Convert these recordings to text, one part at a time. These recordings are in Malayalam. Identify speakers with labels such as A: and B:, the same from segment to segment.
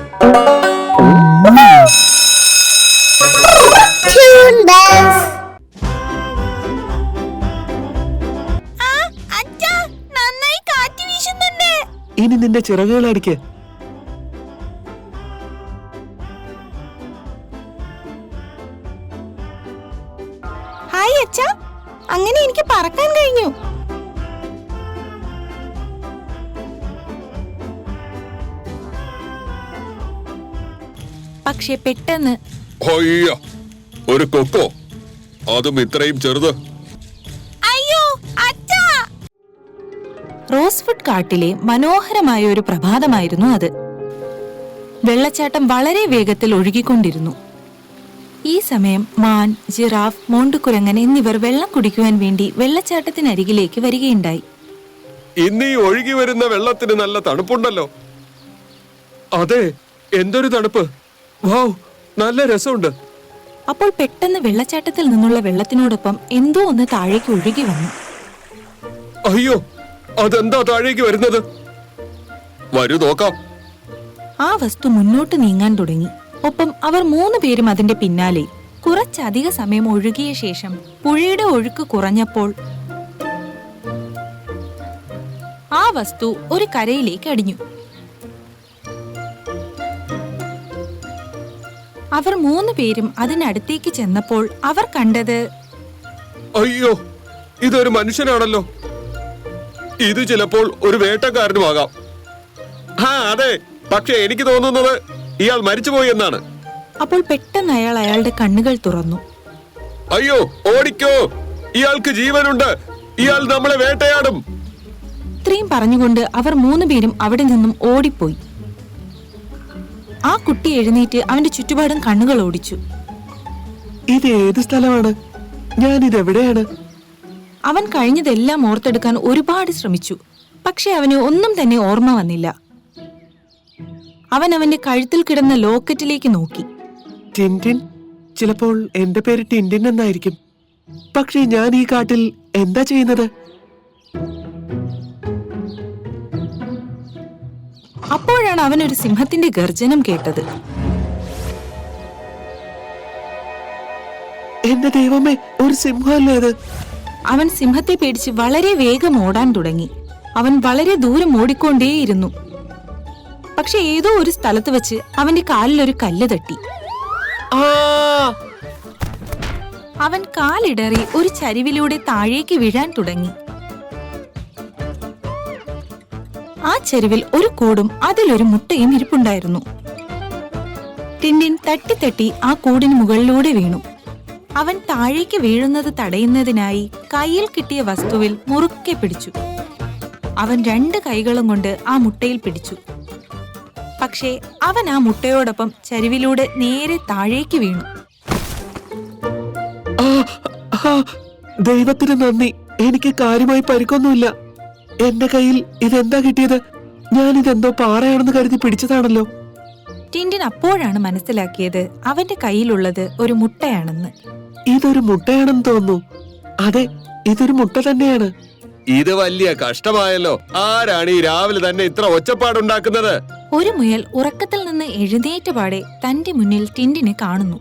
A: ഇനി നിന്റെ ചിറകുകൾ അടിക്ക്.
B: ഹായ് അച്ഛാ, അങ്ങനെ എനിക്ക് പറക്കാൻ കഴിഞ്ഞു. പക്ഷെ പെട്ടെന്ന്
C: ഒരു കൊക്കോ, അതും ഇത്രയും ചെറുത്.
B: അയ്യോ അച്ഛാ! റോസ്വുഡ് കാട്ടിലെ മനോഹരമായ ഒരു പ്രഭാതമായിരുന്നു അത്. വെള്ളച്ചാട്ടം വളരെ വേഗത്തിൽ ഒഴുകിക്കൊണ്ടിരുന്നു. ഈ സമയം മാൻ, ജിറാഫ്, മോണ്ടുകുരങ്ങൻ എന്നിവർ വെള്ളം കുടിക്കുവാൻ വേണ്ടി വെള്ളച്ചാട്ടത്തിനരികിലേക്ക് വരികയുണ്ടായി.
C: ഇന്ന് ഈ ഒഴുകി വരുന്ന വെള്ളത്തിന് നല്ല തണുപ്പുണ്ടല്ലോ. അതെ, എന്തൊരു തണുപ്പ്! വൗ, നല്ല രസമുണ്ട്.
B: അപ്പോൾ പെട്ടെന്ന് വെള്ളച്ചാട്ടത്തിൽ നിന്നുള്ള വെള്ളത്തിനോടൊപ്പം എന്തോ ഒന്ന് താഴേക്ക് ഒഴുകി വന്നു.
C: അയ്യോ, അതെന്താ താഴേക്ക് വരുന്നത്? വരൂ നോക്കാം.
B: ആ വസ്തു മുന്നോട്ട് നീങ്ങാൻ തുടങ്ങി. ഒപ്പം അവർ 3 പേരും അതിന്റെ പിന്നാലെ. കുറച്ചധിക സമയം ഒഴുകിയ ശേഷം പുഴയുടെ ഒഴുക്ക് കുറഞ്ഞപ്പോൾ ആ വസ്തു ഒരു കരയിലേക്ക് അടിഞ്ഞു. അവർ 3 പേരും അതിനടുത്തേക്ക് ചെന്നപ്പോൾ അവർ കണ്ടത്,
C: അയ്യോ, ഇതൊരു മനുഷ്യനാണല്ലോ. ഇത് ചിലപ്പോൾ ഒരു വേട്ടക്കാരനുമാകാം. അതെ, പക്ഷെ എനിക്ക് തോന്നുന്നത് ഇയാൾ മരിച്ചുപോയി എന്നാണ്.
B: അപ്പോൾ പെട്ടെന്ന് അയാൾ അയാളുടെ കണ്ണുകൾ തുറന്നു.
C: അയ്യോ, ഓടിക്കോ, ഇയാൾക്ക് ജീവനുണ്ട്, ഇയാൾ നമ്മളെ വേട്ടയാടും.
B: ഇത്രയും പറഞ്ഞുകൊണ്ട് അവർ 3 പേരും അവിടെ നിന്നും ഓടിപ്പോയി. ആ കുട്ടി എഴുന്നേറ്റ് അവന്റെ ചുറ്റുപാടും കണ്ണുകൾ ഓടിച്ചു.
A: ഇത് ഏത് സ്ഥലമാണ്? ഞാൻ ഇതെവിടെയാണ്?
B: അവൻ കഴിഞ്ഞതെല്ലാം ഓർത്തെടുക്കാൻ ഒരുപാട് ശ്രമിച്ചു. പക്ഷെ അവന് ഒന്നും തന്നെ ഓർമ്മ വന്നില്ല. അവൻ അവന്റെ കഴുത്തിൽ കിടന്ന ലോക്കറ്റിലേക്ക് നോക്കി.
A: ടിൻടിൻ, ചിലപ്പോൾ എന്റെ പേര് ടിൻടിൻ എന്നായിരിക്കും. പക്ഷേ ഞാൻ ഈ കാട്ടിൽ എന്താ ചെയ്യുന്നത്?
B: അപ്പോഴാണ് അവൻ ഒരു സിംഹത്തിന്റെ ഗർജനം കേട്ടത്.
A: എന്റെ ദൈവമേ, ഒരു സിംഹമല്ലേ അത്?
B: അവൻ സിംഹത്തെ പേടിച്ച് വളരെ വേഗം ഓടാൻ തുടങ്ങി. അവൻ വളരെ ദൂരം ഓടിക്കൊണ്ടേയിരുന്നു. പക്ഷെ ഏതോ ഒരു സ്ഥലത്ത് വെച്ച് അവന്റെ കാലിൽ ഒരു കല്ല് തട്ടി. അവൻ കാലിടറി ഒരു ചരിവിലൂടെ താഴേക്ക് വീഴാൻ തുടങ്ങി. ആ ചരിവിൽ ഒരു കൂടും അതിലൊരു മുട്ടയും ഇരിപ്പുണ്ടായിരുന്നു. ടിൻടിൻ തട്ടി ആ കൂടിന് മുകളിലൂടെ വീണു. അവൻ താഴേക്ക് വീഴുന്നത് തടയുന്നതിനായി കയ്യിൽ കിട്ടിയ വസ്തുവിൽ മുറുക്കെ പിടിച്ചു. അവൻ 2 കൈകളും കൊണ്ട് ആ മുട്ടയിൽ പിടിച്ചു. പക്ഷേ അവൻ ആ മുട്ടയോടൊപ്പം ചരിവിലൂടെ നേരെ താഴേക്ക് വീണു.
A: ദൈവത്തിന് നന്ദി, എനിക്ക് കാര്യമായി പരിക്കൊന്നുമില്ല. എന്റെ കയ്യിൽ ഇതെന്താ കിട്ടിയത്? ഞാൻ ഇതെന്തോ പാറയാണെന്ന് കരുതി പിടിച്ചതാണല്ലോ.
B: ടിൻടിൻ അപ്പോഴാണ് മനസ്സിലാക്കിയത് അവന്റെ കയ്യിലുള്ളത് ഒരു മുട്ടയാണെന്ന്.
A: ഇതൊരു മുട്ടയാണെന്ന് തോന്നുന്നു. അതെ, ഇതൊരു മുട്ട തന്നെയാണ്.
C: ഇത് വലിയ കഷ്ടമായല്ലോ. ആരാണ് ഈ രാവിലെ തന്നെ ഇത്ര ഒച്ചപ്പാടുണ്ടാക്കുന്നത്?
B: ഒരു മുയൽ ഉറക്കത്തിൽ നിന്ന് എഴുന്നേറ്റ പാടെ തന്റെ മുന്നിൽ ടിൻടിനെ കാണുന്നു.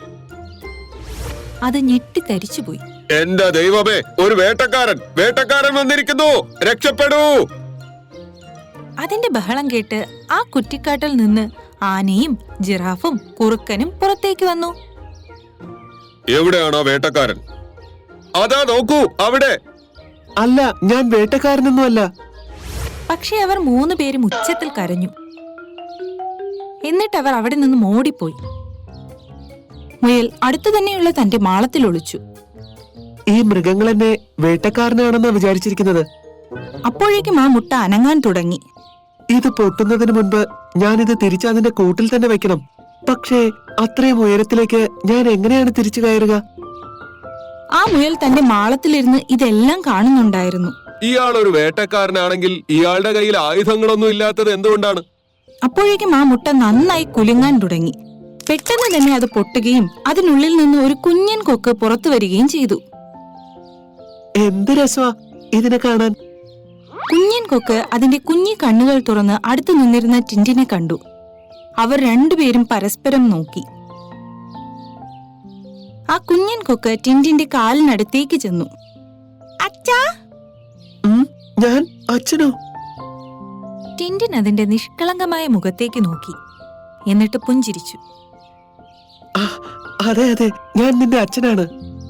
B: അത് ഞെട്ടിത്തരിച്ചുപോയി.
C: എന്റെ ദൈവമേ, ഒരു വേട്ടക്കാരൻ വന്നിരിക്കുന്നു, രക്ഷപ്പെടൂ!
B: അതിന്റെ ബഹളം കേട്ട് ആ കുറ്റിക്കാട്ടിൽ നിന്ന് ആനയും ജിറാഫും കുറുക്കനും പുറത്തേക്ക് വന്നു.
C: എവിടെയാണോ വേട്ടക്കാരൻ? അതാ നോക്കൂ, അവിടെ.
A: അല്ല, ഞാൻ വേട്ടക്കാരനൊന്നുമല്ല.
B: പക്ഷെ അവർ 3 പേരും ഉച്ചത്തിൽ കരഞ്ഞു. എന്നിട്ട് അവർ അവിടെ നിന്നും ഓടിപ്പോയി. മുയൽ അടുത്തു തന്നെയുള്ള തന്റെ മാളത്തിൽ ഒളിച്ചു.
A: ഈ മൃഗങ്ങൾ എന്നെ വേട്ടക്കാരനാണെന്നാ വിചാരിച്ചിരിക്കുന്നത്.
B: അപ്പോഴേക്കും ആ മുട്ട അനങ്ങാൻ തുടങ്ങി.
A: ഇത് പൊട്ടുന്നതിന് മുൻപ് ഞാനിത് തിരിച്ചതിന്റെ കൂട്ടിൽ തന്നെ വെക്കണം. പക്ഷേ അത്രയും ഉയരത്തിലേക്ക് ഞാൻ എങ്ങനെയാണ് തിരിച്ചു കയറുക?
B: ആ മുയൽ തന്റെ മാളത്തിലിരുന്ന് ഇതെല്ലാം കാണുന്നുണ്ടായിരുന്നു.
C: ഇയാൾ ഒരു വേട്ടക്കാരനാണെങ്കിൽ ഇയാളുടെ കയ്യിൽ ആയുധങ്ങളൊന്നും ഇല്ലാത്തത് എന്തുകൊണ്ടാണ്?
B: അപ്പോഴേക്കും ആ മുട്ട നന്നായി കുലുങ്ങാൻ തുടങ്ങി. പെട്ടെന്ന് തന്നെ അത് പൊട്ടുകയും അതിനുള്ളിൽ നിന്ന് ഒരു കുഞ്ഞൻ കൊക്ക് പുറത്തു വരികയും ചെയ്തു.
A: എന്ത് രസമാ ഇതിനെ കാണാൻ!
B: കുഞ്ഞൻ കൊക്ക് അതിന്റെ കുഞ്ഞി കണ്ണുകൾ തുറന്ന് അടുത്തു നിന്നിരുന്ന ടിൻടിനെ കണ്ടു. അവർ രണ്ടുപേരും പരസ്പരം നോക്കി. ആ കുഞ്ഞൻ കൊക്ക് ടിൻഡിന്റെ കാലിനടുത്തേക്ക് ചെന്നു. അച്ഛാ!
A: ഞാൻ അച്ഛനോ?
B: ടിൻഡിൻ അതിന്റെ നിഷ്കളങ്കമായ മുഖത്തേക്ക് നോക്കി, എന്നിട്ട് പുഞ്ചിരിച്ചു.
A: അതെ അതെ, ഞാൻ നിന്റെ അച്ഛനാണ്.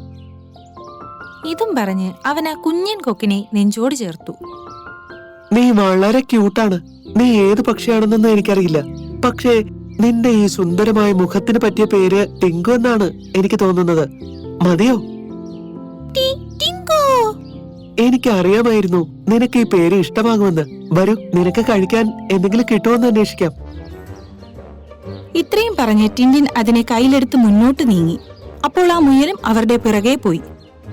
B: ഇതും പറഞ്ഞ് അവൻ ആ കുഞ്ഞൻ കൊക്കിനെ നെഞ്ചോട് ചേർത്തു.
A: നീ വളരെ ക്യൂട്ടാണ്. നീ ഏത് പക്ഷിയാണെന്നൊന്നും എനിക്കറിയില്ല. പക്ഷേ നിന്റെ ഈ സുന്ദരമായ മുഖത്തിന് പറ്റിയ പേര് ടിങ്കു എന്നാണ് എനിക്ക് തോന്നുന്നത്. മതിയോ? എനിക്ക് അറിയാമായിരുന്നു നിനക്ക് ഈ പേര് ഇഷ്ടമാകുമെന്ന്. വരൂ, നിനക്ക് കഴിക്കാൻ എന്തെങ്കിലും കിട്ടുമെന്ന് അന്വേഷിക്കാം.
B: ഇത്രയും പറഞ്ഞ് ടിൻഡിൻ അതിനെ കയ്യിലെടുത്ത് മുന്നോട്ട് നീങ്ങി. അപ്പോൾ ആ മുയലും അവരുടെ പിറകെ പോയി.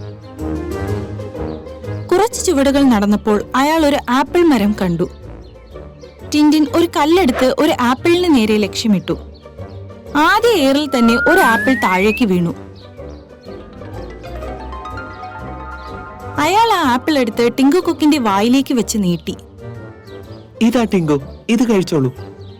B: കുറച്ച് ചുവടുകൾ നടന്നപ്പോൾ അയാൾ ഒരു ആപ്പിൾ മരം കണ്ടു. ടിൻഡിൻ ഒരു കല്ലെടുത്ത് ഒരു ആപ്പിളിന് നേരെ ലക്ഷ്യമിട്ടു. ആദ്യ ഏറിൽ തന്നെ ഒരു ആപ്പിൾ താഴേക്ക് വീണു. അയാൾ ആ ആപ്പിൾ എടുത്ത് ടിങ്കു കൊക്കിന്റെ വായിലേക്ക് വെച്ച് നീട്ടി.
A: ഇതാ ടിങ്കു, ഇത് കഴിച്ചോളൂ.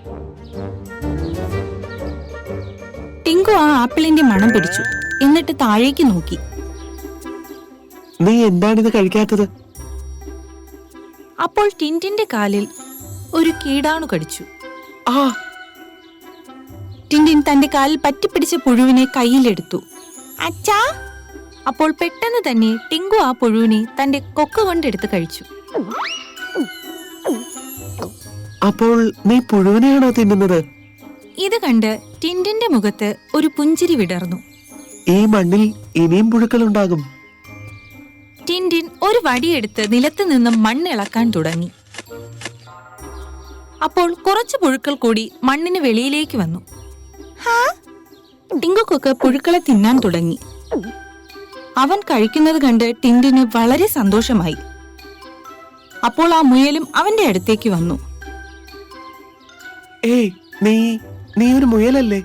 B: ടിങ്കു ആ ആപ്പിളിന്റെ മണം പിടിച്ചു, എന്നിട്ട് താഴേക്ക് നോക്കി.
A: നീ എന്താണിത് കഴിക്കാത്തത്?
B: അപ്പോൾ ടിൻഡിന്റെ കാലിൽ ഒരു കീടാണു കടിച്ചു.
A: ആ!
B: ടിൻഡിൻ തന്റെ കാലിൽ പറ്റിപ്പിടിച്ച പുഴുവിനെ കയ്യിലെടുത്തു. അച്ഛാ! അപ്പോൾ പെട്ടെന്ന് തന്നെ ടിങ്കു ആ പുഴുവിനെ തന്റെ കൊക്ക് കൊണ്ടെടുത്ത് കഴിച്ചു.
A: അപ്പോൾ നീ പുഴുവിനെയാണോ തിന്നുന്നത്?
B: ഇത് കണ്ട് ടിൻഡിന്റെ മുഖത്ത് ഒരു പുഞ്ചിരി വിടർന്നു.
A: ഈ മണ്ണിൽ ഇനിയും പുഴുക്കളുണ്ടാകും.
B: ടിൻഡിൻ ഒരു വടിയെടുത്ത് നിലത്ത് നിന്നും മണ്ണിളക്കാൻ തുടങ്ങി. അപ്പോൾ കുറച്ച് പുഴുക്കൾ കൂടി മണ്ണിന് വെളിയിലേക്ക് വന്നു. ടിങ്കു കൊക്ക് പുഴുക്കളെ തിന്നാൻ തുടങ്ങി. അവൻ കഴിക്കുന്നത് കണ്ട് ടിൻഡിന് വളരെ സന്തോഷമായി. അപ്പോൾ ആ മുയലും അവന്റെ അടുത്തേക്ക് വന്നു.
A: ഏയ്, നീ ഒരു മുയലല്ലേ?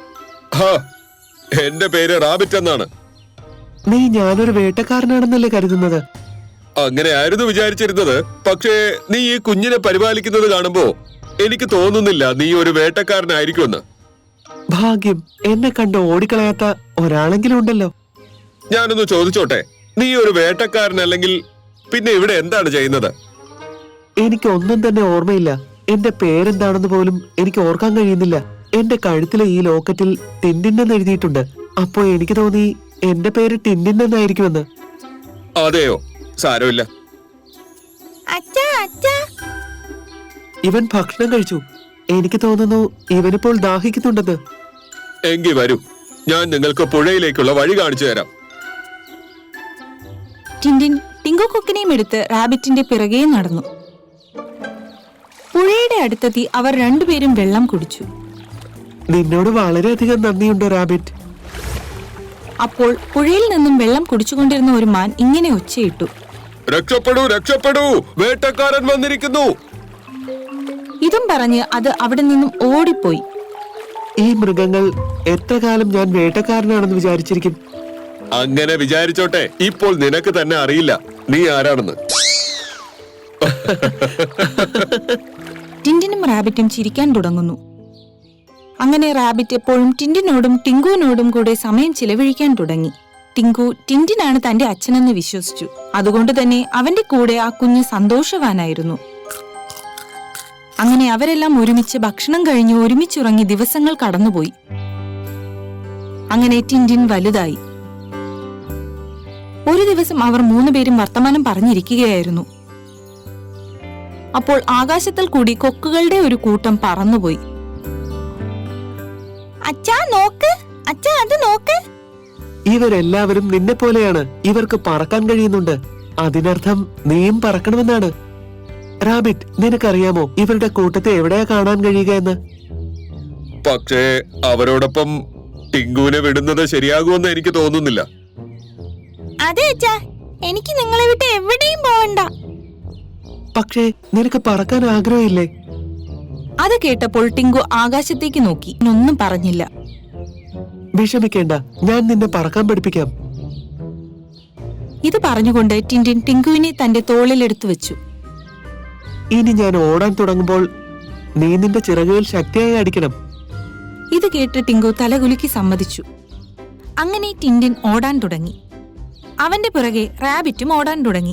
C: എന്റെ പേര് റാബിറ്റ് എന്നാണ്.
A: നീ ഞാനൊരു വേട്ടക്കാരനാണെന്നല്ലേ കരുതുന്നത്?
C: അങ്ങനെയായിരുന്നു വിചാരിച്ചിരുന്നത്. പക്ഷേ നീ ഈ കുഞ്ഞിനെ പരിപാലിക്കുന്നത് കാണുമ്പോ എനിക്ക് തോന്നുന്നില്ല നീ ഒരു വേട്ടക്കാരനായിരിക്കുമെന്ന്.
A: ഭാഗ്യം, എന്നെ കണ്ട് ഓടിക്കളയാത്ത ഒരാളെങ്കിലും ഉണ്ടല്ലോ.
C: ഞാനൊന്ന് ചോദിച്ചോട്ടെ, നീ ഒരു വേട്ടക്കാരനല്ലെങ്കിൽ പിന്നെ ഇവിടെ എന്താണ് ചെയ്യുന്നത്?
A: എനിക്ക് ഒന്നും തന്നെ ഓർമ്മയില്ല. എന്റെ പേരെന്താണെന്ന് പോലും എനിക്ക് ഓർക്കാൻ കഴിയുന്നില്ല. എന്റെ കഴുത്തിലെ ഈ ലോക്കറ്റിൽ ടിൻഡിൻ എന്ന് എഴുതിയിട്ടുണ്ട്. അപ്പോ എനിക്ക് തോന്നി എന്റെ പേര് ടിൻഡിൻ എന്നായിരിക്കുമെന്ന്.
C: അതെയോ? സാരമില്ല.
A: ഇവൻ ഭക്ഷണം കഴിച്ചു. എനിക്ക് തോന്നുന്നു ഇവനിപ്പോൾ ദാഹിക്കുന്നുണ്ടെന്ന്.
C: എങ്കി വരൂ, ഞാൻ നിങ്ങൾക്ക് പുഴയിലേക്കുള്ള വഴി കാണിച്ചു തരാം.
B: ടിൻഡിൻ ടിങ്കു കൊക്കിനെയും എടുത്ത് റാബിറ്റിന്റെ പിറകെ നടന്നു. പുഴയുടെ അടുത്തെത്തി അവർ രണ്ടുപേരും വെള്ളം കുടിച്ചു.
A: നിന്നോട് വളരെയധികം നന്ദിയുണ്ട് റാബിറ്റ്.
B: അപ്പോൾ പുഴയിൽ നിന്നും വെള്ളം കുടിച്ചുകൊണ്ടിരുന്ന ഒരു മാൻ ഇങ്ങനെ ഒച്ചയിട്ടു.
C: രക്ഷപ്പെടൂ, രക്ഷപ്പെടൂ, വേട്ടക്കാരൻ വന്നിരിക്കുന്നു.
B: ഇതും പറഞ്ഞ് അത് അവിടെ നിന്നും ഓടിപ്പോയി.
A: ഈ മൃഗങ്ങൾ എത്ര കാലം ഞാൻ വേട്ടക്കാരനാണെന്ന് വിചാരിച്ചിരിക്കും.
C: അങ്ങനെ വിചാരിച്ചോട്ടെ, ഇപ്പോൾ നിനക്ക് തന്നെ അറിയില്ല നീ ആരാണെന്ന്.
B: ടിൻഡിനും റാബിറ്റും ചിരിക്കാൻ തുടങ്ങുന്നു. അങ്ങനെ റാബിറ്റ് എപ്പോഴും ടിൻഡിനോടും ടിങ്കുവിനോടും കൂടെ സമയം ചിലവഴിക്കാൻ തുടങ്ങി. ടിങ്കു ടിൻഡിനാണ് തന്റെ അച്ഛനെന്ന് വിശ്വസിച്ചു. അതുകൊണ്ട് തന്നെ അവന്റെ കൂടെ ആ കുഞ്ഞ് സന്തോഷവാനായിരുന്നു. അങ്ങനെ അവരെല്ലാം ഒരുമിച്ച് ഭക്ഷണം കഴിഞ്ഞ് ഒരുമിച്ചുറങ്ങി ദിവസങ്ങൾ കടന്നുപോയി. അങ്ങനെ ടിൻഡിൻ വലുതായി. ഒരു ദിവസം അവർ മൂന്നുപേരും വർത്തമാനം പറഞ്ഞിരിക്കുകയായിരുന്നു. അപ്പോൾ ആകാശത്തിൽ കൂടി കൊക്കുകളുടെ ഒരു കൂട്ടം പറന്നുപോയി. അച്ഛാ നോക്ക്, അച്ഛാ അത് നോക്ക്.
A: ഇവരെല്ലാവരും നിന്നെ പോലെയാണ്. ഇവർക്ക് പറക്കാൻ കഴിയുന്നുണ്ട്. അതിനർത്ഥം നീയും പറക്കണമെന്നാണ്. റാബിറ്റ്, നിനക്കറിയാമോ ഇവരുടെ കൂട്ടത്തെ എവിടെയാ കാണാൻ കഴിയുക എന്ന്?
C: പക്ഷേ അവരോടൊപ്പം ടിങ്കുവിനെ വിടുന്നത് ശരിയാകുമെന്ന് എനിക്ക് തോന്നുന്നില്ല.
B: അതെ അച്ഛാ, എനിക്ക് നിങ്ങളെ വിട്ട് എവിടെയും പോവണ്ട.
A: പക്ഷേ നിനക്ക് പറക്കാൻ ആഗ്രഹമില്ലേ?
B: അത് കേട്ടപ്പോൾ ടിങ്കു ആകാശത്തേക്ക് നോക്കി, ഒന്നും പറഞ്ഞില്ല.
A: വിഷമിക്കേണ്ട, ഞാൻ നിന്നെ പറക്കാൻ പഠിപ്പിക്കാം.
B: ഇത് പറഞ്ഞുകൊണ്ട് ടിൻഡിൻ ടിങ്കുവിനെ തന്റെ തോളിലെടുത്തു വെച്ചു.
A: ഇനി ഞാൻ ഓടാൻ തുടങ്ങുമ്പോൾ നീ നിന്റെ ചിറകുകൾ ശക്തിയായി അടിക്കണം.
B: ഇത് കേട്ട് ടിങ്കു തലകുലുക്കി സമ്മതിച്ചു. അങ്ങനെ ടിൻഡിൻ ഓടാൻ തുടങ്ങി. അവന്റെ പിറകെ റാബിറ്റും ഓടാൻ തുടങ്ങി.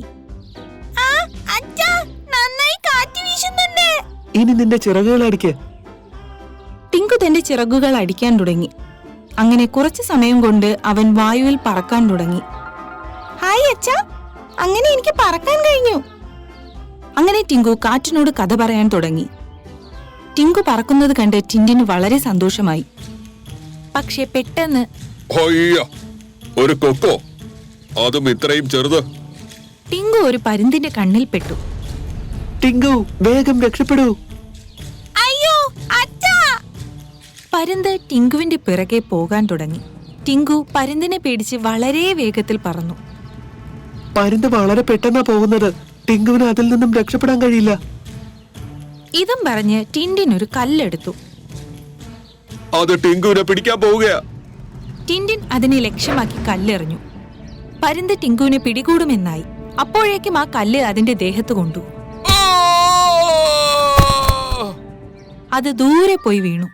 A: ഇനി നിന്റെ ചിറകുകൾ അടിക്ക്.
B: ടിങ്കു തന്റെ ചിറകുകൾ അടിക്കാൻ തുടങ്ങി. അങ്ങനെ കുറച്ചു സമയം കൊണ്ട് അവൻ വായുവിൽ പറക്കാൻ തുടങ്ങി. ഹായ് അച്ഛാ, അങ്ങനെ എനിക്ക് പറക്കാൻ കഴിഞ്ഞു. അങ്ങനെ ടിങ്കു കാറ്റിനോട് കഥ പറയാൻ തുടങ്ങി. ടിങ്കു പറക്കുന്നത് കണ്ട് ടിൻഡിന് വളരെ സന്തോഷമായി. പക്ഷെ പെട്ടെന്ന്
C: ഒരു കൊക്കോ, അതും ഇത്രയും ചെറുത്.
B: ടിങ്കു ഒരു പരുന്തിന്റെ കണ്ണിൽ പെട്ടു.
A: ടിങ്കു, വേഗം രക്ഷപ്പെടൂ.
B: അയ്യോ അച്ഛാ! പരുന്ത് ടിങ്കുവിന്റെ പിറകെ പോകാൻ തുടങ്ങി. ടിങ്കു പരുന്തിനെ പേടിച്ച് വളരെ വേഗത്തിൽ പറന്നു.
A: പരുന്ത് വളരെ പെട്ടെന്നാ പോകുന്നത്. ടിങ്കുവിന് അതിൽ നിന്നും രക്ഷപ്പെടാൻ കഴിയില്ല.
B: ഇതും പറഞ്ഞ് ടിൻഡിൻ ഒരു കല്ലെടുത്തു.
C: അത് ടിങ്കുവിനെ പിടിക്കാൻ പോവുകയാ.
B: ടിൻഡിൻ അതിനെ ലക്ഷ്യമാക്കി കല്ലെറിഞ്ഞു. പരുന്ത് ടിങ്കുവിനെ പിടികൂടുമെന്നായി. അപ്പോഴേക്കും ആ കല്ല് അതിന്റെ ദേഹത്ത് കൊണ്ടു. അത് ദൂരെ പോയി വീണു.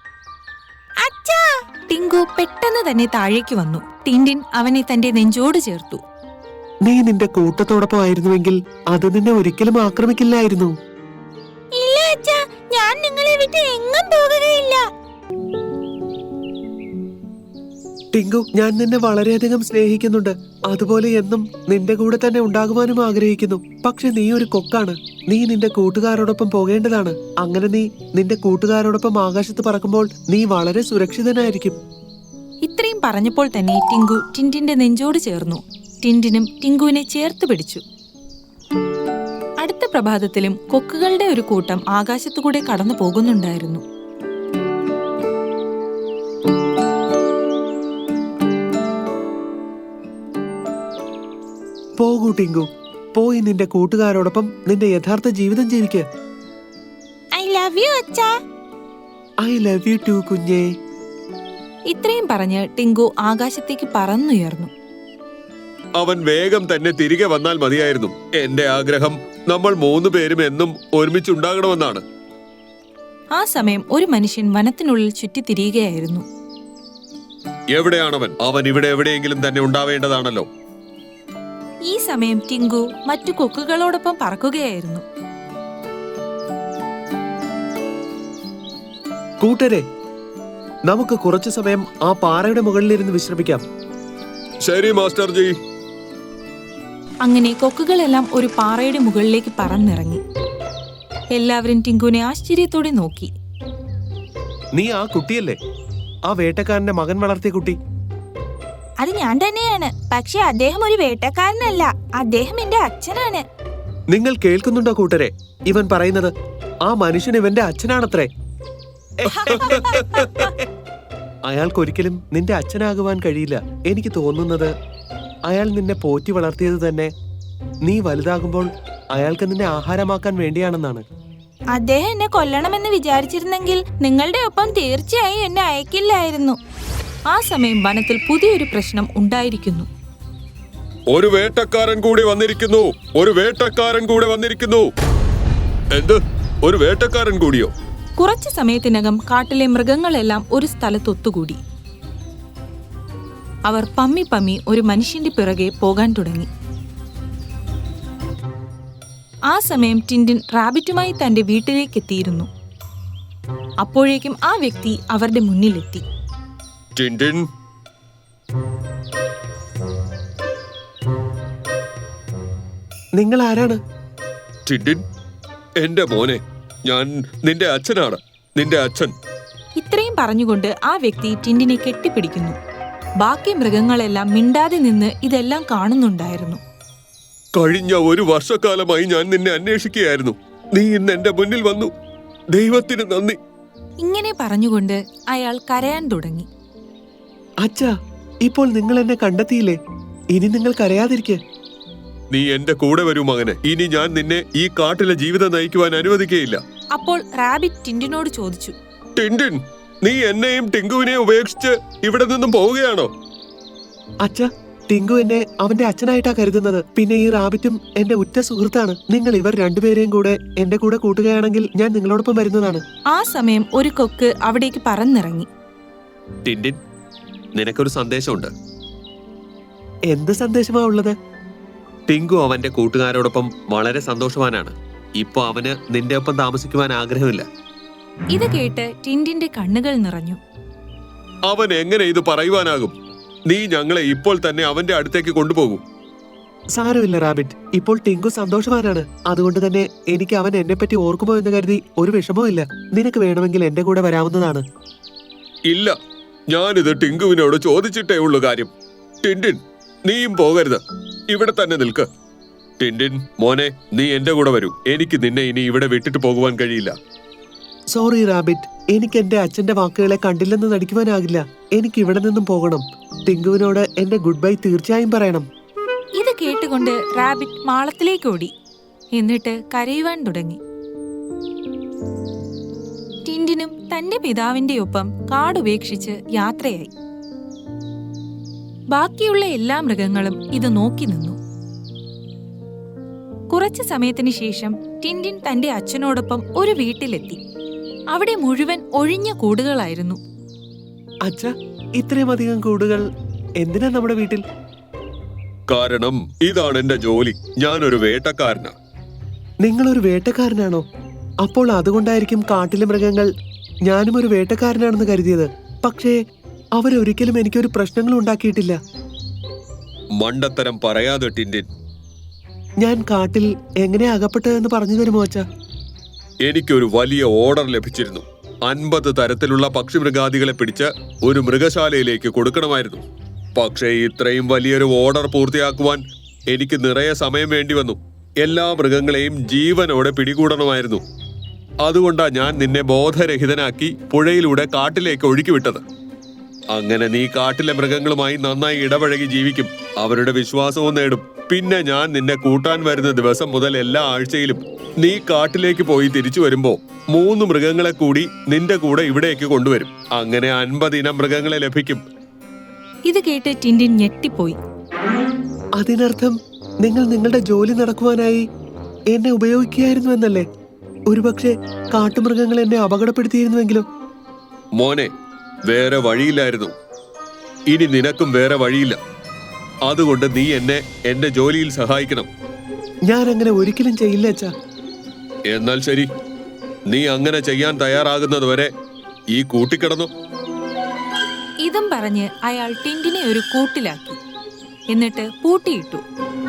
B: ടിങ്കു പെട്ടെന്ന് തന്നെ താഴേക്ക് വന്നു. ടിൻഡിൻ അവനെ തന്റെ നെഞ്ചോട് ചേർത്തു.
A: നീ നിന്റെ കൂട്ടത്തോടൊപ്പം ആയിരുന്നുവെങ്കിൽ അത് നിന്നെ ഒരിക്കലും ആക്രമിക്കില്ലായിരുന്നു.
B: ഇല്ല അച്ഛാ, ഞാൻ നിങ്ങളെ വിട്ട് എങ്ങും പോകുകയില്ല.
A: ടിങ്കു, ഞാൻ നിന്നെ വളരെയധികം സ്നേഹിക്കുന്നുണ്ട്. അതുപോലെ എന്നും നിന്റെ കൂടെ തന്നെ ഉണ്ടാകുവാനും ആഗ്രഹിക്കുന്നു. പക്ഷെ നീ ഒരു കൊക്കാണ്. നീ നിന്റെ കൂട്ടുകാരോടൊപ്പം പോകേണ്ടതാണ്. അങ്ങനെ നീ നിന്റെ കൂട്ടുകാരോടൊപ്പം ആകാശത്ത് പറക്കുമ്പോൾ നീ വളരെ സുരക്ഷിതനായിരിക്കും.
B: ഇത്രയും പറഞ്ഞപ്പോൾ തന്നെ ടിങ്കു ടിൻഡിന്റെ നെഞ്ചോട് ചേർന്നു. ടിൻഡിനും ടിങ്കുവിനെ ചേർത്ത് പിടിച്ചു. അടുത്ത പ്രഭാതത്തിലും കൊക്കുകളുടെ ഒരു കൂട്ടം ആകാശത്തുകൂടെ കടന്നു പോകുന്നുണ്ടായിരുന്നു.
A: പോകൂ ടിങ്കു, പോയി നിന്റെ കൂട്ടുകാരോടൊപ്പം നിന്റെ യഥാർത്ഥ ജീവിതം ജീവിക്ക്.
B: ഐ ലവ് യു അച്ഛാ.
A: ഐ ലവ് യു ടു കുഞ്ഞേ.
B: ഇത്രയും പറഞ്ഞ് ടിങ്കു ആകാശത്തേക്ക് പറന്നുയർന്നു.
C: അവൻ വേഗം തന്നെ തിരികെ വന്നാൽ മതിയായിരുന്നു. എന്റെ ആഗ്രഹം നമ്മൾ 3 പേരും എന്നും ഒരുമിച്ചുണ്ടാകണമെന്നാണ്.
B: ആ സമയം ഒരു മനുഷ്യൻ വനത്തിനുള്ളിൽ ചുറ്റിത്തിരിയുകയായിരുന്നു.
C: എവിടെയാണവൻ? അവൻ ഇവിടെ എവിടെയെങ്കിലും തന്നെ ഉണ്ടാവേണ്ടതാണല്ലോ.
B: ഈ സമയം ടിങ്കു മറ്റു കൊക്കുകളോടൊപ്പം പറക്കുകയായിരുന്നു.
A: കൂട്ടരെ, നമുക്ക് കുറച്ചു സമയം ആ പാറയുടെ മുകളിലിരുന്ന് വിശ്രമിക്കാം.
C: ശരി മാസ്റ്റർ ജി.
B: അങ്ങനെ കൊക്കുകളെല്ലാം ഒരു പാറയുടെ മുകളിലേക്ക് പറന്നിറങ്ങി. എല്ലാവരും ടിങ്കുവിനെ ആശ്ചര്യത്തോടെ നോക്കി.
A: നീ ആ കുട്ടിയല്ലേ? ആ വേട്ടക്കാരന്റെ മകൻ വളർത്തിയ കുട്ടി?
B: അത് ഞാൻ തന്നെയാണ്. പക്ഷെ അദ്ദേഹം ഒരു വേട്ടക്കാരനല്ല, അദ്ദേഹം എന്റെ അച്ഛനാണ്.
A: നിങ്ങൾ കേൾക്കുന്നുണ്ടോ കൂട്ടരെ? ഇവൻ പറയുന്നത് ആ മനുഷ്യൻ ഇവന്റെ അച്ഛനാണത്രേ. അയാൾക്കൊരിക്കലും നിന്റെ അച്ഛനാകുവാൻ കഴിയില്ല. എനിക്ക് തോന്നുന്നത് അയാൾ നിന്നെ പോറ്റി വളർത്തിയത് തന്നെ നീ വലുതാകുമ്പോൾ അയാൾക്ക് നിന്നെ ആഹാരമാക്കാൻ വേണ്ടിയാണെന്നാണ്.
B: അദ്ദേഹം എന്നെ കൊല്ലണമെന്ന് വിചാരിച്ചിരുന്നെങ്കിൽ നിങ്ങളുടെ ഒപ്പം തീർച്ചയായും എന്നെ അയക്കില്ലായിരുന്നു. ആ സമയം വനത്തിൽ പുതിയൊരു പ്രശ്നം ഉണ്ടായിരിക്കുന്നു.
C: ഒരു വേട്ടക്കാരൻ കൂടി വന്നിരിക്കുന്നു. ഒരു വേട്ടക്കാരൻ കൂടെ വന്നിരിക്കുന്നു. എന്ത്? ഒരു വേട്ടക്കാരൻ കൂടിയോ?
B: കുറച്ചു സമയത്തിനകം കാട്ടിലെ മൃഗങ്ങളെല്ലാം ഒരു സ്ഥലത്തൊത്തുകൂടി. അവർ പമ്മി പമ്മി ഒരു മനുഷ്യന്റെ പിറകെ പോകാൻ തുടങ്ങി. ആ സമയം ടിൻഡിൻ റാബിറ്റുമായി തന്റെ വീട്ടിലേക്ക് എത്തിയിരുന്നു. അപ്പോഴേക്കും ആ വ്യക്തി അവരുടെ മുന്നിലെത്തി.
C: ടിൻഡിൻ,
A: നിങ്ങൾ ആരാണ്?
C: ടിൻഡിൻ, എന്റെ മോനെ, ഞാൻ നിന്റെ അച്ഛനാണ്. നിന്റെ അച്ഛൻ.
B: ഇത്രയും പറഞ്ഞുകൊണ്ട് ആ വ്യക്തി ടിൻഡിനെ കെട്ടിപ്പിടിക്കുന്നു. ബാക്കി മൃഗങ്ങളെല്ലാം മിണ്ടാതെ നിന്ന് ഇതെല്ലാം കാണുന്നുണ്ടായിരുന്നു.
C: കഴിഞ്ഞ 1 വർഷക്കാലമായി ഞാൻ നിന്നെ അന്വേഷിക്കുകയായിരുന്നു. നീ ഇന്ന് എന്റെ മുന്നിൽ വന്നു. ദൈവത്തിന് നന്ദി.
B: ഇങ്ങനെ പറഞ്ഞുകൊണ്ട് അയാൾ കരയാൻ തുടങ്ങി.
A: അച്ഛാ, ഇപ്പോൾ നിങ്ങൾ എന്നെ കണ്ടെത്തിയില്ലേ? ഇനി നിങ്ങൾ കരയാതിരിക്കെ.
C: നീ എന്റെ കൂടെ വരൂ മകനെ. ഇനി ഞാൻ നിന്നെ ഈ കാട്ടിലെ ജീവിതം നയിക്കുവാൻ അനുവദിക്കുകയില്ല.
B: അപ്പോൾ റാബിറ്റ് ടിൻഡിനോട് ചോദിച്ചു,
C: ടിൻഡിൻ, നീ എന്നെയും ടിങ്കുവിനെയും ഉപേക്ഷിച്ച് ഇവിടെ നിന്നും പോവുകയാണോ?
A: അച്ഛാ, ടിങ്കു എന്നെ അവന്റെ അച്ഛനായിട്ടാ കരുതുന്നത്. പിന്നെ ഈ റാബിറ്റും എന്റെ ഉറ്റ സുഹൃത്താണ്. നിങ്ങൾ ഇവർ രണ്ടുപേരെയും കൂടെ എന്റെ കൂടെ കൂട്ടുകയാണെങ്കിൽ ഞാൻ നിങ്ങളോടൊപ്പം വരുന്നതാണ്.
B: ആ സമയം ഒരു കൊക്ക് അവിടേക്ക് പറന്നിറങ്ങി.
C: ടിൻഡിൻ, നിനക്കൊരു സന്ദേശമുണ്ട്.
A: എന്ത് സന്ദേശമാ ഉള്ളത്?
C: ടിങ്കു അവന്റെ കൂട്ടുകാരോടൊപ്പം വളരെ സന്തോഷവാനാണ്. ഇപ്പൊ അവന് നിന്റെ ഒപ്പം താമസിക്കുവാൻ ആഗ്രഹമില്ല.
B: ഇത് കേട്ട് ടിൻഡിന്റെ കണ്ണുകൾ നിറഞ്ഞു.
C: അവൻ എങ്ങനെ ഇത് പറയുവാനാകും? നീ ഞങ്ങളെ ഇപ്പോൾ തന്നെ അവന്റെ അടുത്തേക്ക് കൊണ്ടുപോകൂ.
A: സാരമില്ല റാബിറ്റ്, ഇപ്പോൾ ടിങ്കു സന്തോഷവാനാണ്. അതുകൊണ്ട് തന്നെ എനിക്ക് അവൻ എന്നെ പറ്റി ഓർക്കുമോ എന്ന് കരുതി ഒരു വിഷമവും ഇല്ല. നിനക്ക് വേണമെങ്കിൽ എന്റെ കൂടെ വരാവുന്നതാണ്.
C: ഇല്ല, ഞാനിത് ടിങ്കുവിനോട് ചോദിച്ചിട്ടേ ഉള്ളു കാര്യം. ടിൻഡിൻ, നീയും പോകരുത്, ഇവിടെ തന്നെ നിൽക്ക്. ടിൻഡിൻ മോനെ, നീ എന്റെ കൂടെ വരൂ. എനിക്ക് നിന്നെ ഇനി ഇവിടെ വിട്ടിട്ട് പോകുവാൻ കഴിയില്ല.
A: സോറി റാബിറ്റ്, എനിക്ക് എന്റെ അച്ഛന്റെ വാക്കുകളെ കണ്ടില്ലെന്ന് നടിക്കുവാനാകില്ല. എനിക്ക് ഇവിടെ നിന്നും പോകണം. ടിങ്കുവിനോട് എന്റെ ഗുഡ് ബൈ തീർച്ചയായും പറയണം.
B: ഇത് കേട്ടുകൊണ്ട് റാബിറ്റ് മാളത്തിലേക്ക് ഓടി. എന്നിട്ട് കരയുവാൻ തുടങ്ങി. ടിൻഡിനും തന്റെ പിതാവിന്റെ ഒപ്പം കാടുപേക്ഷിച്ച് യാത്രയായി. ബാക്കിയുള്ള എല്ലാ മൃഗങ്ങളും ഇത് നോക്കി നിന്നു. കുറച്ചു സമയത്തിന് ശേഷം ടിൻഡിൻ തന്റെ അച്ഛനോടൊപ്പം ഒരു വീട്ടിലെത്തി. അവിടെ മുഴുവൻ ഒഴിഞ്ഞ കൂടുകളായിരുന്നു.
A: അച്ഛാ, ഇത്രയും അധികം കൂടുകൾ എന്തിനാ നമ്മുടെ വീട്ടിൽ?
C: കാരണം ഇതാണ് എന്റെ ജോലി. ഞാനൊരു വേട്ടക്കാരനാ.
A: നിങ്ങളൊരു വേട്ടക്കാരനാണോ? അപ്പോൾ അതുകൊണ്ടായിരിക്കും കാട്ടിലെ മൃഗങ്ങൾ ഞാനും ഒരു വേട്ടക്കാരനാണെന്ന് കരുതിയത്. പക്ഷേ അവരൊരിക്കലും എനിക്കൊരു പ്രശ്നങ്ങളും ഉണ്ടാക്കിയിട്ടില്ല.
C: മണ്ടത്തരം പറയാതെ ടിൻഡിൻ.
A: ഞാൻ കാട്ടിൽ എങ്ങനെ അകപ്പെട്ടതെന്ന് പറഞ്ഞു തരുമോ അച്ഛാ?
C: എനിക്കൊരു വലിയ ഓർഡർ ലഭിച്ചിരുന്നു. 50 തരത്തിലുള്ള പക്ഷിമൃഗാദികളെ പിടിച്ച് ഒരു മൃഗശാലയിലേക്ക് കൊടുക്കണമായിരുന്നു. പക്ഷേ ഇത്രയും വലിയൊരു ഓർഡർ പൂർത്തിയാക്കുവാൻ എനിക്ക് നിറയെ സമയം വേണ്ടി വന്നു. എല്ലാ മൃഗങ്ങളെയും ജീവനോടെ പിടികൂടണമായിരുന്നു. അതുകൊണ്ടാ ഞാൻ നിന്നെ ബോധരഹിതനാക്കി പുഴയിലൂടെ കാട്ടിലേക്ക് ഒഴുക്കിവിട്ടത്. അങ്ങനെ നീ കാട്ടിലെ മൃഗങ്ങളുമായി നന്നായി ഇടപഴകി ജീവിക്കും, അവരുടെ വിശ്വാസവും നേടും. പിന്നെ ഞാൻ നിന്നെ കൂട്ടാൻ വരുന്ന ദിവസം മുതൽ എല്ലാ ആഴ്ചയിലും നീ കാട്ടിലേക്ക് പോയി തിരിച്ചു വരുമ്പോ 3 മൃഗങ്ങളെ കൂടി നിന്റെ കൂടെ ഇവിടേക്ക് കൊണ്ടുവരും. അങ്ങനെ 50 ഇനം മൃഗങ്ങളെ ലഭിക്കും.
B: ഇത് കേട്ട് ടിൻഡിൻ ഞെട്ടിപ്പോയി.
A: അതിനർത്ഥം നിങ്ങൾ നിങ്ങളുടെ ജോലി നടക്കുവാനായി എന്നെ ഉപയോഗിക്കുകയായിരുന്നു എന്നല്ലേ? ഒരുപക്ഷെ കാട്ടുമൃഗങ്ങൾ എന്നെ അപകടപ്പെടുത്തിയിരുന്നുവെങ്കിലോ?
C: മോനെ, വേറെ വഴിയില്ലായിരുന്നു. ഇനി നിനക്കും വേറെ വഴിയില്ല. അതുകൊണ്ട് നീ എന്നെ എന്റെ ജോലിയിൽ സഹായിക്കണം.
A: ഞാൻ അങ്ങനെ ഒരിക്കലും ചെയ്യില്ല അച്ഛാ.
C: എന്നാൽ ശരി, നീ അങ്ങനെ ചെയ്യാൻ തയ്യാറാകുന്നതുവരെ ഈ കൂട്ടിക്കിടന്നു.
B: ഇതും പറഞ്ഞ് അയാൾ ടിൻഡിനെ ഒരു കൂട്ടിലാക്കി. എന്നിട്ട് പൂട്ടിയിട്ടു.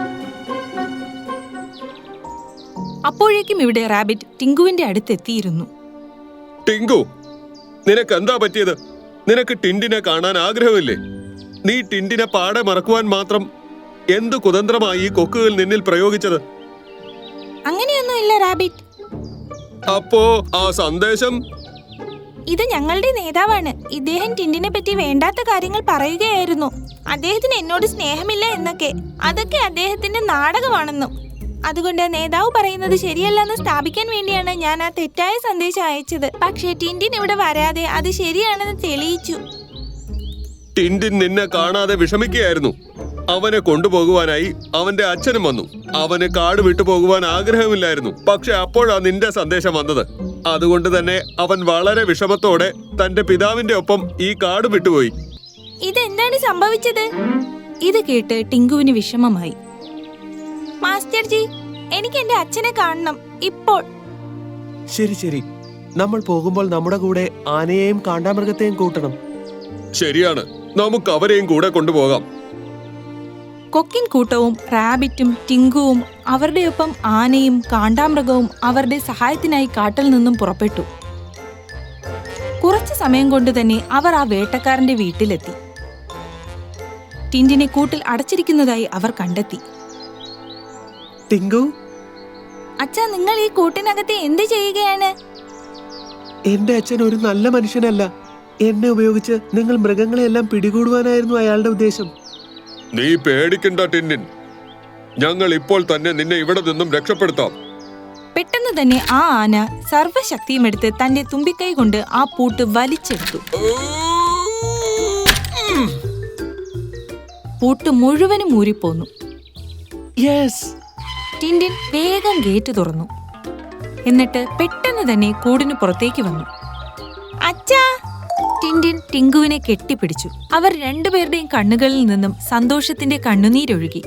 B: അപ്പോഴേക്കും ഇവിടെ റാബിറ്റ് ടിങ്കുവിന്റെ അടുത്തെത്തിയിരുന്നു.
C: ടിങ്കു, നിനക്ക് എന്താ പറ്റിയത്? നിനക്ക് ടിൻഡിനെ കാണാൻ ആഗ്രഹമില്ലേ? നീ ടിൻഡിനെ പാടെ മറക്കുവാൻ മാത്രം എന്തു കുതന്ത്രമായി ഈ കൊക്കുകൾ നിന്നിൽ പ്രയോഗിച്ചത്?
B: അങ്ങനെയൊന്നുമില്ല റാബിറ്റ്.
C: അപ്പോ ആ സന്ദേശം?
B: ഇത് ഞങ്ങളുടെ നേതാവാണ്. ഇദ്ദേഹം ടിൻഡിനെ പറ്റി വേണ്ടാത്ത കാര്യങ്ങൾ പറയുകയായിരുന്നു. അദ്ദേഹത്തിന് എന്നോട് സ്നേഹമില്ല എന്നൊക്കെ. അതൊക്കെ അദ്ദേഹത്തിന്റെ നാടകമാണെന്നും. അതുകൊണ്ട് നേതാവ് പറയുന്നത് ശരിയല്ലെന്ന് സ്ഥാപിക്കാൻ വേണ്ടിയാണ് ഞാൻ ആ തെറ്റായ സന്ദേശം അയച്ചത്. പക്ഷേ ടിൻഡിൻ ഇവിടെ വരാതെ അത് ശരിയാണെന്ന് തെളിയിച്ചു.
C: ടിൻഡിൻ നിന്നെ കാണാതെ വിഷമിക്കുകയായിരുന്നു. അവനെ കൊണ്ടുപോകുവാനായി അവന്റെ അച്ഛനും വന്നു. അവന് കാട് വിട്ടു പോകുവാൻ ആഗ്രഹമില്ലായിരുന്നു. പക്ഷെ അപ്പോഴാ നിന്റെ സന്ദേശം വന്നത്. അതുകൊണ്ട് തന്നെ അവൻ വളരെ വിഷമത്തോടെ തന്റെ പിതാവിന്റെ ഒപ്പം ഈ കാട് വിട്ടുപോയി.
B: ഇതെന്താണ് സംഭവിച്ചത്? ഇത് കേട്ട് ടിങ്കുവിന് വിഷമമായി. മാസ്റ്റർ ജി, എനിക്ക് എന്റെ അച്ഛനെ കാണണം ഇപ്പോൾ.
A: ശരി ശരി, നമ്മൾ പോകുമ്പോൾ നമ്മുടെ കൂടെ ആനയെയും കാണ്ടാമൃഗത്തെയും കൂട്ടണം.
C: ശരിയാണ്, നമുക്ക് അവരെയും കൂടെ കൊണ്ടുപോകാം.
B: കൊക്കിൻ കൂട്ടവും റാബിറ്റും ടിങ്കുവും അവരുടെയൊപ്പം ആനയും കാണ്ടാമൃഗവും അവരുടെ സഹായത്തിനായി കാട്ടിൽ നിന്നും പുറപ്പെട്ടു. കുറച്ചു സമയം കൊണ്ട് തന്നെ അവർ ആ വേട്ടക്കാരന്റെ വീട്ടിലെത്തി. ടിൻഡിനെ കൂട്ടിൽ അടച്ചിരിക്കുന്നതായി അവർ കണ്ടെത്തി.
A: ടിങ്കു,
B: അച്ഛാ, നിങ്ങൾ ഈ കൂട്ടിനകത്ത് എന്ത് ചെയ്യുകയാണ്?
A: എന്റെ അച്ഛൻ ഒരു നല്ല മനുഷ്യനല്ല. എന്നെ ഉപയോഗിച്ച് നിങ്ങൾ മൃഗങ്ങളെയെല്ലാം പിടികൂടുവാനായിരുന്നു അയാളുടെ ഉദ്ദേശം.
C: നീ പേടിക്കണ്ട ടിൻഡിൻ, ഞങ്ങൾ ഇപ്പോൾ തന്നെ നിന്നെ ഇവിടെ നിന്നും രക്ഷപ്പെടുത്താം.
B: പെട്ടെന്ന് തന്നെ ആ ആന സർവ്വശക്തിയും എടുത്ത് തന്റെ തുമ്പിക്കൈ കൊണ്ട് ആ പൂട്ട് വലിച്ചെടുത്തു. പൂട്ട് മുഴുവനും ഊരിപ്പോന്നു.
A: യെസ്!
B: ടിൻഡിൻ വേഗം ഗേറ്റ് തുറന്നു. എന്നിട്ട് പെട്ടെന്ന് തന്നെ കൂടിന് പുറത്തേക്ക് വന്നു. അച്ഛാ! ടിൻഡിൻ ടിങ്കുവിനെ കെട്ടിപ്പിടിച്ചു. അവർ രണ്ടുപേരുടെയും കണ്ണുകളിൽ നിന്നും സന്തോഷത്തിന്റെ കണ്ണുനീരൊഴുകി.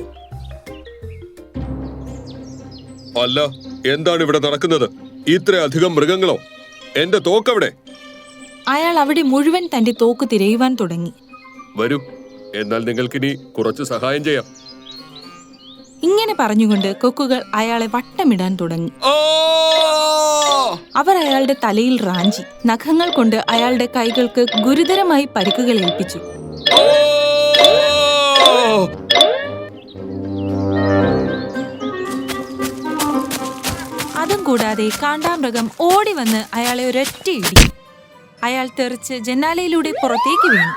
C: അല്ല, എന്താണ് ഇവിടെ നടക്കുന്നത്? ഇത്രയധികം മൃഗങ്ങളോ? എന്റെ തോക്കവിടെ?
B: അയാൾ അവിടെ മുഴുവൻ തന്റെ തോക്ക് തിരയുവാൻ തുടങ്ങി.
C: വരൂ, എന്നാൽ നിങ്ങൾക്കിനി കുറച്ച് സഹായം ചെയ്യാം.
B: ഇങ്ങനെ പറഞ്ഞുകൊണ്ട് കൊക്കുകൾ അയാളെ വട്ടമിടാൻ തുടങ്ങി. അവർ അയാളുടെ തലയിൽ റാഞ്ചി. നഖങ്ങൾ കൊണ്ട് അയാളുടെ കൈകൾക്ക് ഗുരുതരമായി പരിക്കുകൾ ഏൽപ്പിച്ചു. അതും കൂടാതെ കാണ്ടാമൃഗം ഓടി വന്ന് അയാളെ ഒരൊറ്റ ഇടി. അയാൾ തെറിച്ച് ജനാലയിലൂടെ പുറത്തേക്ക് വീണു.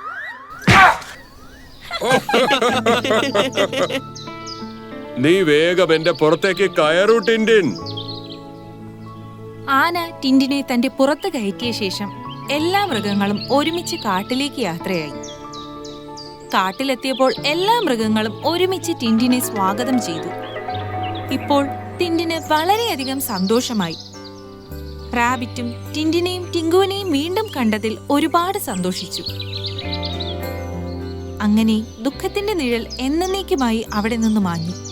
C: നീ വേഗം എന്റെ പുറത്തേക്ക് കയറൂ ടിൻഡിൻ.
B: ആന ടിൻഡിനെ തന്റെ പുറത്ത് കയറ്റിയ ശേഷം എല്ലാ മൃഗങ്ങളും ഒരുമിച്ച് കാട്ടിലേക്ക് യാത്രയായി. കാട്ടിലെത്തിയപ്പോൾ എല്ലാ മൃഗങ്ങളും ഒരുമിച്ച് ടിൻഡിനെ സ്വാഗതം ചെയ്തു. ഇപ്പോൾ ടിൻഡിന് വളരെയധികം സന്തോഷമായി. റാബിറ്റും ടിൻഡിനെയും ടിങ്കുവിനെയും വീണ്ടും കണ്ടതിൽ ഒരുപാട് സന്തോഷിച്ചു. അങ്ങനെ ദുഃഖത്തിന്റെ നിഴൽ എന്നേക്കുമായി അവിടെ നിന്ന് മാഞ്ഞു.